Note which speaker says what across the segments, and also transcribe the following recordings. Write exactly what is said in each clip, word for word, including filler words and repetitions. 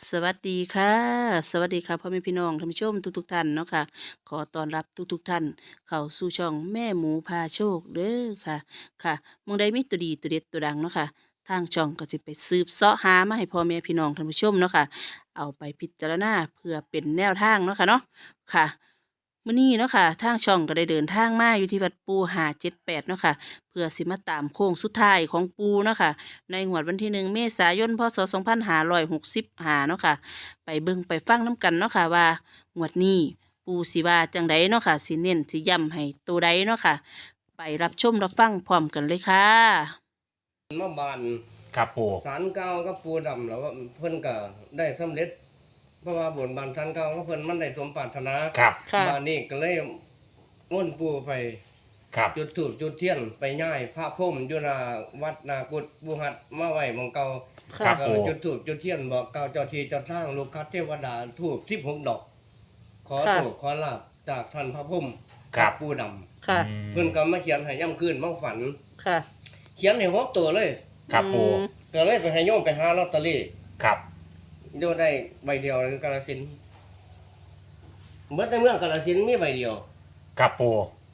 Speaker 1: สวัสดีค่ะสวัสดีค่ะพ่อแม่พี่น้องท่านผู้ชมทุกๆท่านเนาะค่ะขอต้อนรับทุกๆท่านเข้าสู่ช่องแม่หมูพาโชคเด้อค่ะค่ะหมองใดมีตัวดีตัวเด็ดตัวดังเนาะค่ะทางช่องก็จะไปสืบเสาะหามาให้พ่อแม่พี่น้องท่านผู้ชมเนาะค่ะเอาไปพิจารณาเพื่อเป็นแนวทางเนาะค่ะเนาะค่ะมื้อนี้เนาะค่ะทางช่องก็ได้เดินทางมาอยู่ที่วัดปูห้าเจ็ดแปดเนาะค่ะเพื่อสิมาตามโค้งสุดท้ายของปูเนาะค่ะ ในงวดวันที่หนึ่งเมษายนพศสองพันห้าร้อยหกสิบห้าเนาะค่ะไปเบิ่งไปฟังน้ำกันเนาะค่ะว่างวดนี้ปูสิว่าจังใดเนาะค่ะสิเน้นสิย้ำให้ตัวใดเนาะค่ะไปรับชมรับฟังพร้อมกันเลยค่ะ
Speaker 2: มาบาน
Speaker 3: ครับปู
Speaker 2: ศาลเก่าก็ปูดำแล้วว่าเพิ่นก็ได้สำเร็จ เพราะว่าบนบานศาลเก่าก็เพิ่นมันได้สมปรารถนา
Speaker 3: ครับ
Speaker 1: ค่ะ
Speaker 2: บานนี้ก็เลยม่วนปูไป
Speaker 3: ครับ
Speaker 2: จุดธูปจุดเทียนไปย่ายพระพรหมอยู่หน้าวัดนากุฏบูหัดมาไว้หม่องเก่า
Speaker 3: ครับ
Speaker 2: ก็
Speaker 3: ปู
Speaker 2: จุดธูปจุดเทียนบอกเก่าเจ้าที่เจ้าทางลูกคัดเทวดาธูปสิบหกดอก ขอโชคขอลาภจากท่านพระพรหม
Speaker 3: ครับ
Speaker 2: ปูดำ
Speaker 1: ค่ะ
Speaker 3: อืม
Speaker 2: เพิ่นก็มาเขียนให้ย่ำคืนมาฝัน
Speaker 1: ค่ะ
Speaker 2: เขียนให้หกตัวเลย
Speaker 3: ครับปู
Speaker 2: ก็เลยไปให้โยมไปหาลอตเตอรี่
Speaker 3: ครับ
Speaker 2: โยมได้ใบเดียวในกาฬสินธุ์เมื่อในเมืองกาฬสินธุ์มีใบเดียว
Speaker 3: ครับปู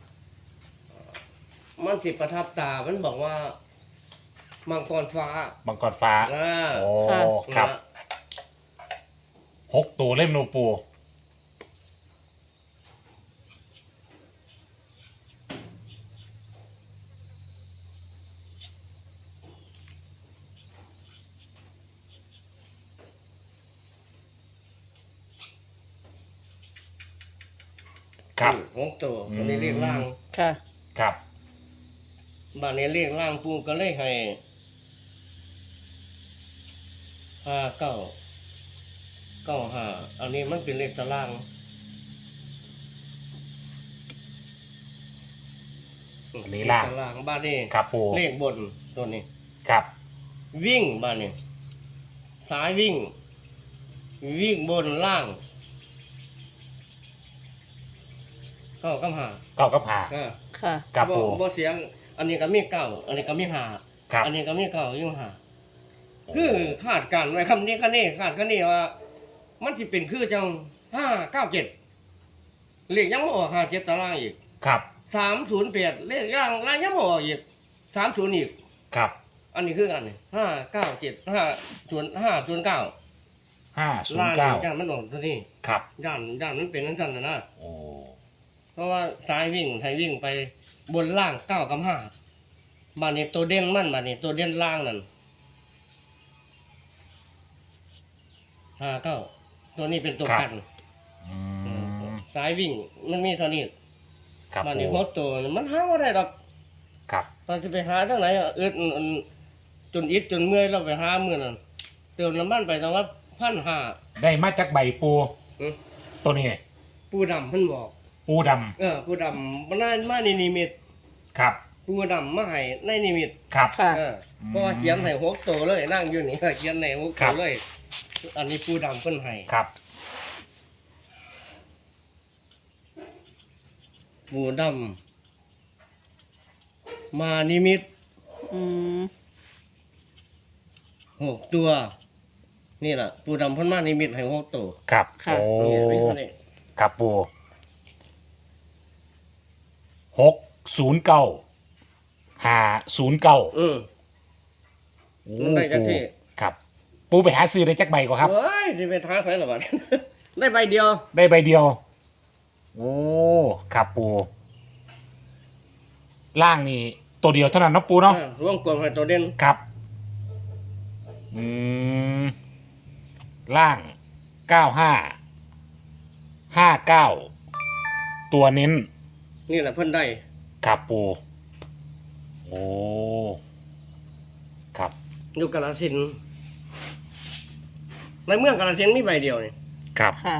Speaker 2: มันสิประทับตา มันบอกว่า มังกรฟ้า
Speaker 3: มังกรฟ้า
Speaker 2: อ่า
Speaker 3: โอ้ครับ
Speaker 2: นะ
Speaker 3: หกตัวเล่มนูปูครับ
Speaker 2: หกตัวอันนี้เรียกล่าง
Speaker 1: ค่ะ
Speaker 3: ครับ
Speaker 2: บ้านนี้เรียกล่างปูก็เลยให้ห้าเก้าเก้าห้าอันนี้มันเป็นเลขตาราง
Speaker 3: อันนี้ล่าง
Speaker 2: เลขตารางบ้านนี้
Speaker 3: ครับปู
Speaker 2: เลขบนตัวนี้
Speaker 3: ครับ
Speaker 2: วิ่งบ้านนี้สายวิ่ง วิ่งบนล่างเข้ากำหา
Speaker 3: เก้ากับหา
Speaker 2: อ่า
Speaker 1: ค่ะ
Speaker 3: ครับปู
Speaker 2: บ่เสียง อันนี้ก็มีเก้าอันนี้ก็มีหา
Speaker 3: ครับ
Speaker 2: อันนี้ก็มีเก้ายิ่งหาคือคาดการณ์ไว้คำนี้ก็นี่คาดก็นี่ว่า มันสิเป็นคือจังห้าเก้าเจ็ดเลขยังบ่ออกห้าเจ็ดตารางอีก
Speaker 3: ครับ
Speaker 2: สามศูนย์แปดเลขย่างล่างยังบ่ออกอีกสามศูนย์อีก
Speaker 3: ครับ
Speaker 2: อันนี้คือกันนี่ห้าเก้าเจ็ดห้าศูนย์ห้าศูนย์เก้า
Speaker 3: ห้าศูน
Speaker 2: ล่า
Speaker 3: ย์
Speaker 2: ง
Speaker 3: เก้า
Speaker 2: ย่านมันออกตัวนี้
Speaker 3: ครับ
Speaker 2: ย่านย่านมันเป็นนั่นสั่นนะนะ
Speaker 3: โอ้
Speaker 2: เพราะว่าสายวิ่งไทยวิ่งไปบนล่างเก้ากับห้าบานนี้ตัวเด่นมันบานนี้ตัวเด่นล่างนั่นห้าเก้าตัวนี้เป็นตัวกัน
Speaker 3: อืม
Speaker 2: สายวิ่งมันมีเท่านี้
Speaker 3: ครับ
Speaker 2: บาน
Speaker 3: ปู
Speaker 2: นี้หัวตัวมันหาว่าได้ดอก
Speaker 3: ครับ
Speaker 2: ตอนจะไปหาทั้งไหนอะอึดอันจนอิดจนเมื่อยเราไปหาเมื่อนั้นเติมน้ำมันไปตั้งว่าพันห้า
Speaker 3: ได้มาจากใบปู ตัวนี้
Speaker 2: ปูดำเพิ่นบอก
Speaker 3: ปูด
Speaker 2: เออปูดำมันน่ามาในนิมิต
Speaker 3: ำครับ
Speaker 2: ปูดำมาให้ในนิมิต
Speaker 3: ครับ
Speaker 1: ค่ะ
Speaker 2: เออเพราะว่าเขียนให้หกตัวเลยนั่งอยู่นี่เขียนให้หก
Speaker 3: ครั
Speaker 2: ตัว
Speaker 3: บ
Speaker 2: เลย อันนี้ปูดำเพิ่นให้
Speaker 3: ครับ
Speaker 2: ปูดำมานิมิต
Speaker 1: อืม
Speaker 2: หกตัว นี่แหละปูดำเพิ่นมานิมิตให้หกตัว
Speaker 3: ครับ
Speaker 1: ค่ะ
Speaker 3: โอ้
Speaker 2: นี่มีเท่านี้
Speaker 3: ครับปูหกศูนย์เก้าห้าศูนย์เก้า
Speaker 2: อืม มันได้จังสิ
Speaker 3: ครับ ปูไปหาซื้อได้จักใบก็ครับ
Speaker 2: เฮ้ยนี่เป็นท้าใครหรอวะ ได้ใบเดียว
Speaker 3: ได้ใบเดียว โอ้ครับปูล่างนี่ตัวเดียวเท่านั้นเนาะปูเนาะ
Speaker 2: อ่าร่วมกลมให้ตัวเด่น
Speaker 3: ครับ อืมล่างเก้าห้าห้าเก้าตัวเน้น
Speaker 2: นี่แหละเพิ่นได้
Speaker 3: ครับปูโอ้ครับ
Speaker 2: อยู่กาฬสินธุ์ในเมืองกาฬสินธุ์มีใบเดียวนี่
Speaker 3: ครับ
Speaker 1: ค่ะ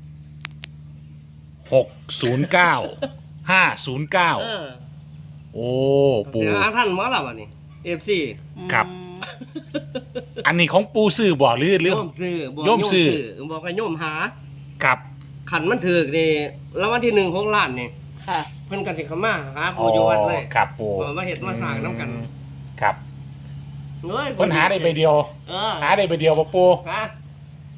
Speaker 3: หกศูนย์เก้าห้าศูนย์เก้า
Speaker 2: เออ
Speaker 3: โอ้ปู
Speaker 2: เดี๋ยวหาท่านหมอลำอ่ะนี่เอฟซี
Speaker 3: ครับ อันนี้ของปูซื้อบ่หรือหรือ
Speaker 2: โยมซื้อบอก
Speaker 3: โยมซื้อ
Speaker 2: บอกให้โยมหา
Speaker 3: ครับ
Speaker 2: ขันมันถือกนี่แล้ววันที่หนึ่งของล้านนี่
Speaker 1: ค่ะ
Speaker 2: เพิ่นกันสิเขามาหาผู้อยู่วัดเลย
Speaker 3: ครับปู
Speaker 2: บอกมาเห็ดมาสร้างน้ำกัน
Speaker 3: ครับ
Speaker 2: เฮ้ย
Speaker 3: ปัญหาได้ใบเดียว
Speaker 2: เออ
Speaker 3: หาได้ใบเดียวบ่ปู
Speaker 2: ฮะ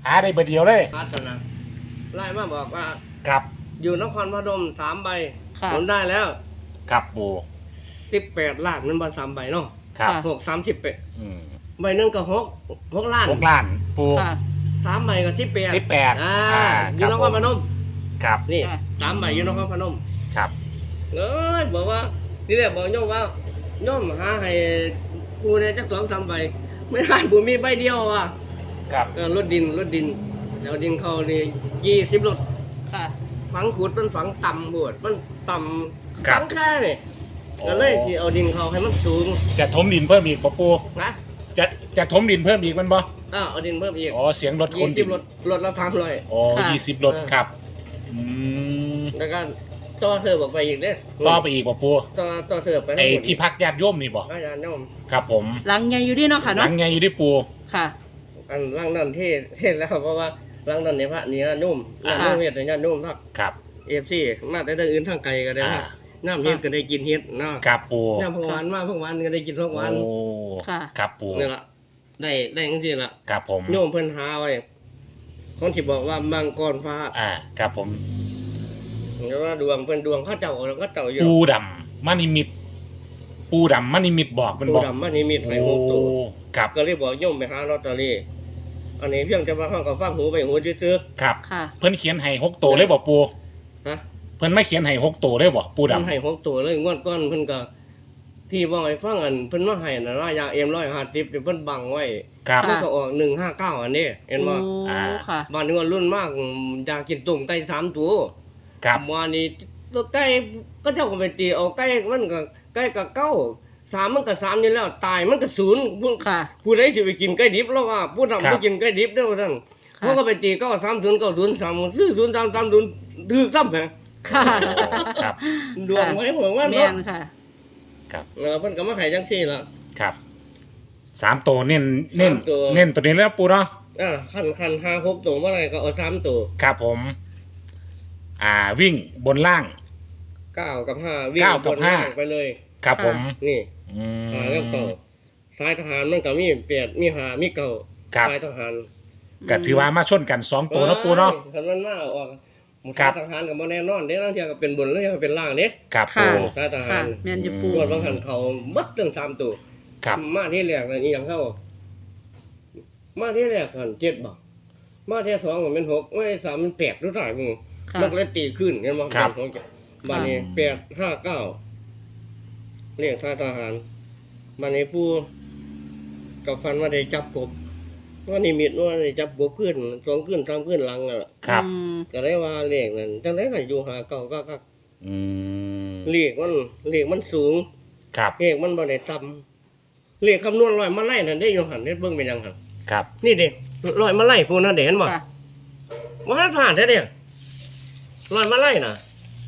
Speaker 3: หาได้เบอร์เดียวเลย
Speaker 2: พัฒนาไล่มาบอกว่า
Speaker 3: ครับ
Speaker 2: อยู่นครพนมสามใบ
Speaker 1: ค่ะ
Speaker 2: ผลได้แล้ว
Speaker 3: ครับปู
Speaker 2: สิบแปดล้านนั่นบ่สามใบเนาะ
Speaker 3: ครับ
Speaker 1: ค่ะ
Speaker 2: หกสามสิบแปด
Speaker 3: อืม
Speaker 2: ใบหนึงก็หกหกล้าน
Speaker 3: หกล้านปู
Speaker 1: ค่ะ
Speaker 2: สามใบก็สิบแปด
Speaker 3: สิบแปด
Speaker 2: อ่า
Speaker 3: อ่า
Speaker 2: อยู่นครพนม
Speaker 3: ครับ
Speaker 2: นี่
Speaker 1: ค่ะ
Speaker 2: สามใบอยู่นครพนม
Speaker 3: ครับ
Speaker 2: เอ้ยบอกว่าที่แรกบอกโยมว่าโยมหาให้กูเนี่ยจักสองสามใบไม่ได้บุมีใบเดียวอ่ะ
Speaker 3: ครับ
Speaker 2: เออรถดินรถดินแล้วดินเขานี่ยี่สิบรถ
Speaker 1: ค่ะ
Speaker 2: ฝังขุดมันฝังต่ำบวดมันต่ำ
Speaker 3: ครับ
Speaker 2: ฝังแค่นี่ก็เลยที่เอาดินเขาให้มันสูง
Speaker 3: จะถมดินเพิ่มอีกปะปู
Speaker 2: นะ
Speaker 3: จะจะถมดินเพิ่มอีกมันบ่
Speaker 2: อ้าวเอาดินเพิ่มอีก
Speaker 3: อ๋อเสียงรถค
Speaker 2: ยี่
Speaker 3: น
Speaker 2: สิ
Speaker 3: ดิ
Speaker 2: บ
Speaker 3: น
Speaker 2: รถรถละทำเลย
Speaker 3: อ๋อ
Speaker 1: ค่ะ
Speaker 3: ยี่สิบรถ
Speaker 2: เออ
Speaker 3: ครับอืม
Speaker 2: แล้วก็ต่อเธอบอกไปอีกเด้
Speaker 3: ต่อไปอีกปะปู
Speaker 2: ต่อต่อเธอไป
Speaker 3: ไอ้
Speaker 2: ให้หมด
Speaker 3: ที่พักญาติโยมนี่บ่
Speaker 2: อาจารย์โยม
Speaker 3: ครับผม
Speaker 1: หลังใหญ่อยู่ดีเนาะค่ะ
Speaker 3: หลั
Speaker 1: เนาะ
Speaker 3: งไงอยู่ที่ปู
Speaker 1: ค่ะ
Speaker 2: อันร่างนั้นเทศเทศแล้วเพราะว่าร่างนั้นในพระนี่นะนุ่ม
Speaker 3: อ่า
Speaker 2: น้ำนุ่มเฮ็ดในญาตินุ่มครับ
Speaker 3: ครับ
Speaker 2: เอฟซีมาแต่เรื่องอื่นทางไกลก็ได้
Speaker 3: อ่า
Speaker 2: ครับน้ำเฮ็ดก็ได้กินเฮ็ดเนาะ
Speaker 3: ครับปู
Speaker 2: น้ำพวกหวานมาพวกหวานก็ได้กินพวกหวาน
Speaker 3: โอ้
Speaker 1: ค่ะ
Speaker 3: ครับปู
Speaker 2: นี่ละได้ได้จังซี่ล่ะ
Speaker 3: ครับผม
Speaker 2: โยมเพิ่นหาไว้คนที่บอกว่ามังกรฟ้า
Speaker 3: อ่าครับผม
Speaker 2: หรือว่าดวงเพิ่นดวงเข้าเจ้าแล้วก็เจ้าอยู่
Speaker 3: ปูดำมานิมิต ปูดำมานิมิตบอกมัน
Speaker 2: ปู
Speaker 3: บอก
Speaker 2: ดำมันนี่มีไผ
Speaker 3: โอ้
Speaker 2: หกตัว
Speaker 3: ครับ
Speaker 2: ก็เลยบอกโยมไปหาลอตเตอรี่อันนี้เพียงแต่ว่าเฮาก็ฟังหูไปหูซื่อ
Speaker 3: ครับ
Speaker 1: ค่ะ
Speaker 3: เพิ่นเขียนให้หกตัวเลยบอกปู
Speaker 2: ๆฮะ
Speaker 3: เพิ่นไม่เขียนให้หกตัวเลยบอกปู
Speaker 2: เพิ่น
Speaker 3: ดำ
Speaker 2: ให้หกตัวเลยงวดก่อนเพิ่นก็ที่ว่าให้ฟังอันเพิ่นมาให้น่ะรายาเอ็มร้อยห้าสิบเพิ่นบังไว้
Speaker 3: ครับ
Speaker 2: มันก็ออกหนึ่งห้าเก้าอันนี้เห็นบ่
Speaker 1: โอ้
Speaker 3: อ่า
Speaker 1: ค่ะ
Speaker 2: บ้านนี้ว่ารุ่นมากอยากกินตุ่มไก่สามตัว
Speaker 3: ครับ
Speaker 2: วันนี้ตัวไก่ก็เจ้าก็ไปตีเอาไก่มันก็ไก่ก็เก้าสามมันก็สามนี่แล้วตายมันก็ศูนย์ผู้
Speaker 1: ค่ะ
Speaker 2: ผู้ใดสิไปกินไก่ดิบแล้วว่าผู้ทำไปกินไก่ดิบเด้อว่าซั่น
Speaker 1: ค่ะ
Speaker 2: เขาก็ไปตีเก้าสามศูนย์เก้าศูนย์สามซื้อศูนย์สามสามศูนย์ถือซ้ำแหง
Speaker 1: ค่ะ
Speaker 3: ครับ
Speaker 2: ดวงไว้ผมว่า
Speaker 1: แม่
Speaker 2: เนาะ
Speaker 1: นค่ะ
Speaker 3: ครับ
Speaker 2: เออเพิ่นก็มาให้จังซี่ล่ะ
Speaker 3: ครับสามตัวเน้นเน้น
Speaker 2: สามตัว
Speaker 3: เน้นตัวนี้แล้วปูเนาะ
Speaker 2: อ่าคันคันห้าหกตัวเมื่อไหร่ก็เอาสามตัว
Speaker 3: ครับผม อ่าวิ่งบนล่าง
Speaker 2: เก้ากับห้าวิ่ง
Speaker 3: เก้ากับบ
Speaker 2: น
Speaker 3: ห้า
Speaker 2: ล่างไปเลย
Speaker 3: ครับผม
Speaker 2: นี่
Speaker 3: อืม
Speaker 2: หาแล้วเก่าสายทหารมันก็มีแปดมีหามีเก่า
Speaker 3: ครับ
Speaker 2: สายทหาร
Speaker 3: ก็ถือว่ามาชนกันสองตัวเนาะปูเนาะ
Speaker 2: คันมันมาออกหมู่
Speaker 3: ครั
Speaker 2: สาย
Speaker 3: บ
Speaker 2: ทหารกับบ่แน่นอนเด้บางเทีก็เป็นบนแล้วก็เป็นล่างเด้
Speaker 3: ครับ
Speaker 1: ค่ะ
Speaker 3: ปู
Speaker 2: สายทหา
Speaker 1: ค่ะ
Speaker 2: ร
Speaker 1: แม่นจะ
Speaker 3: อืม
Speaker 1: ปู
Speaker 2: ตรวจบางหันเขาบัดเรื่องสามตัว
Speaker 3: ครับ
Speaker 2: มาที่แรกนั่นอีหยังเข้ามาที่แรกหันเจ็ดบ่มาที่สองมันเป็นหกไม่สามมันแปดรู้ถ่ายมึง
Speaker 1: ค่ะ
Speaker 2: มันก็เลยตีขึ้นเห็นบ่
Speaker 3: ครับ
Speaker 2: เป็นของเจ็ดบ้านนี้แปดห้าเก้าเรียกสายทหารบ้านนี้ผู้กับฟันว่าได้จับกบว่านี่มิดว่าได้จับกบขึ้นสองขึ้นสามขึ้นหลังอ่ะ
Speaker 3: ครับ
Speaker 1: อืม
Speaker 2: ก็ได้ว่าเลขนั้นจังได๋ก็อยู่หาเก่าก็ก็
Speaker 3: อืม
Speaker 2: เลขมันเลขมันสูง
Speaker 3: ครับ
Speaker 2: เลขมันบ่ได้ต่ำเลขคำนวณร้อยมาไล่นั่นได้อยู่หันเฮ็ดเบิ่งเป็นหยังหั่น
Speaker 3: ครับ
Speaker 2: นี่เด้ร้อยมาไล่ผู้นั้นเด้เห็นบ่
Speaker 1: ค่ะ
Speaker 2: บ่ทันผ่านแท้เด้ร้อยมาไล่น่ะ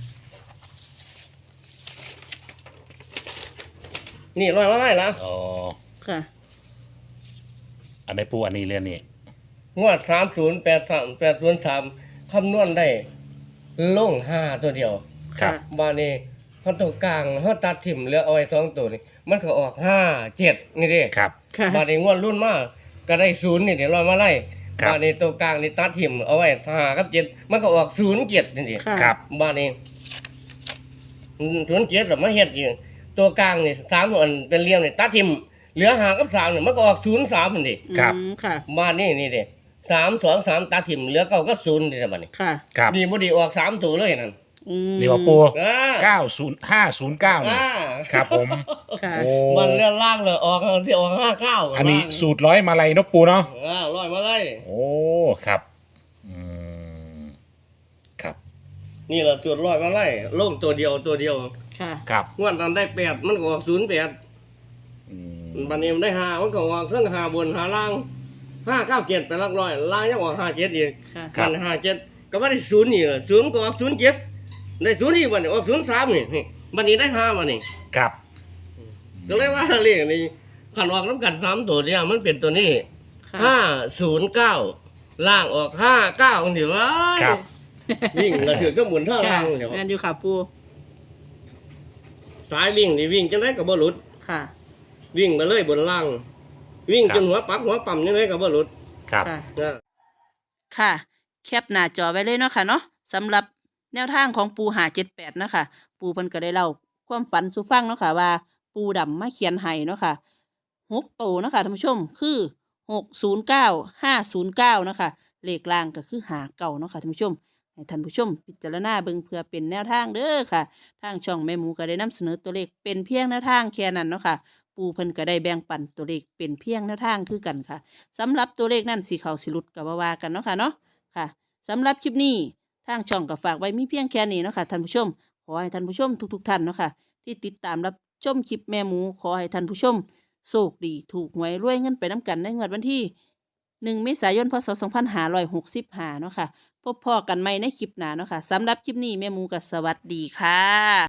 Speaker 2: นี่ร้อยมาไล่ละ
Speaker 3: อ๋อ
Speaker 1: ค่ะ
Speaker 3: อันไหนปูอันนี้เรื่องนี้
Speaker 2: งวดสามศูนย์แปดสามแปดศูนย์สามคำนวณได้ลงห้าตัวเดียว
Speaker 3: ครับ
Speaker 2: บานี้เฮาตัวกลางเฮาตัดทิ่มเหลือเอาไว้สองตัวนี่มันก็ออกห้าเจ็ดนี่เด้
Speaker 3: ครับ
Speaker 1: ค่ะ
Speaker 2: บานี้งวดรุ่นมาก็ได้ศูนย์นี่เดี๋ยวเรามาไล่
Speaker 3: ครับ
Speaker 2: บานี้ตัวกลางนี่ตัดทิ่มเอาไว้ห้ากับเจ็ดมันก็ออกศูนย์เจ็ดนี่ดิ
Speaker 1: ค่ะ
Speaker 3: ครับ
Speaker 2: บานี้ศูนย์เจ็ดแล้วมาเฮ็ดอีกตัวกลางนี่สามอันเป็นเหลี่ยมนี่ตัดทิ่มเหลือห้ากับสามนี่มันก็ออกศูนย์สามนี่ดิ
Speaker 3: ครับ
Speaker 1: อืมค่ะ
Speaker 2: บานี้นี่เด้สามสองสามตัดทิ่มเหลือเก้ากับศูนย์นี่ล่ะบานี้
Speaker 1: ค่ะ
Speaker 3: ครับ
Speaker 2: นี่บ่ไดีออกสามตัวเลยนั่น
Speaker 1: อืม
Speaker 3: นี่ว่าปู
Speaker 2: อ่า
Speaker 3: เก้าศูนย์ห้าศูนย์เก้านี่
Speaker 2: อ่า
Speaker 3: ครับผม
Speaker 1: ค่ะ
Speaker 3: โอ้
Speaker 2: มันเลื่อนล่างเลยออกที่ออกห้าเก้า
Speaker 3: อันนี้สูตรร้อยมาลัยเนกปูเนาะ
Speaker 2: อ่าร้อยมาเลย
Speaker 3: โอ้ ครับ อืม ครับ
Speaker 2: นี่แหละจุดร้อยมาไล่ลงตัวเดียวตัวเดียว
Speaker 1: ค่ะ
Speaker 3: ครับ
Speaker 2: งวดนั้นได้แปดมันก็ออกศูนย์แปด
Speaker 3: อืม
Speaker 2: บันนี้มันได้ห้ามันก็ออกเครื่องห้าบนห้าล่างห้าเก้าเจ็ดไปหลักร้อยล่างยังออกห้าเจ็ดอีก
Speaker 1: ค่ะ
Speaker 2: มันห้าเจ็ดก็ไม่ได้ศูนย์นี่ศูนย์ก็ออกศูนย์เจ็ดได้ศูนย์นี่บันนี้ออกศูนย์สามนี่นี่บันนี้ได้ห้ามานี่
Speaker 3: ครับ
Speaker 2: ก็เลยว่าเรียกนี่ขันออกน้ำกันสามตัวเนี่ยมันเป็นตัวนี้
Speaker 1: ค่ะ
Speaker 2: ห้าศูนย์เก้าล่างออกห้าเก้าเดี๋ยวว่า
Speaker 3: ครับ
Speaker 2: วิ่งกระถือก็หมุนเท่า
Speaker 1: ค่ะ
Speaker 2: ล่างเดี๋ยว
Speaker 1: แม่นอยู่ค่ะปู
Speaker 2: สายวิ่งนี่วิ่งจังไดก็บ่หลุด
Speaker 1: ค่ะ
Speaker 2: วิ่งไปเลยบนล่าง วิ่ง
Speaker 3: ครับ
Speaker 2: จนหัวปักหัวปั๊มจังไดก็บ่หลุด
Speaker 3: ครับ
Speaker 1: ค่ะ
Speaker 2: นะ
Speaker 1: ค่ะแคปหน้าจอไว้เลยเนาะค่ะเนาะสำหรับแนวทางของปูหาเจ็ดแปดเนาะค่ะปูเพิ่นก็ได้เล่าความฝันสู่ฟังเนาะค่ะว่าปูดำมาเขียนให้เนาะค่ะหกโตวเนาะค่ะท่านผู้ชมคือหกศูนย์เก้าห้าศูนย์เก้าเนาะค่ะเลขล่างก็คือหาเก่าเนาะค่ะท่านผู้ชมให้ท่านผู้ชมพิจารณาเบิ่งเพื่อเป็นแนวทางเด้อค่ะทางช่องแม่หมูก็ได้นำเสนอตัวเลขเป็นเพียงแนวทางแค่นั้นเนาะค่ะปูเพิ่นก็ได้แบ่งปันตัวเลขเป็นเพียงแนวทางคือกันค่ะสำหรับตัวเลขนั่นสิเขาสิหลุดก็บ่ว่ากันเนาะค่ะเนาะ ค่ะสำหรับคลิปนี้ทางช่องก็ฝากไว้มีเพียงแค่นี้เนาะค่ะท่านผู้ชมขอให้ท่านผู้ชมทุกๆท่านเนาะค่ะที่ติดตามรับชมคลิปแม่หมูขอให้ท่านผู้ชมโชคดีถูกหวยรวยเงินไปน้ำกันในงวดวันที่หนึ่งเมษายนพศสองพันห้าร้อยหกสิบห้าเนาะค่ะพบพ่อกันใหม่ในคลิปหน้าเนาะค่ะสำหรับคลิปนี้แม่หมูก็สวัสดีค่ะ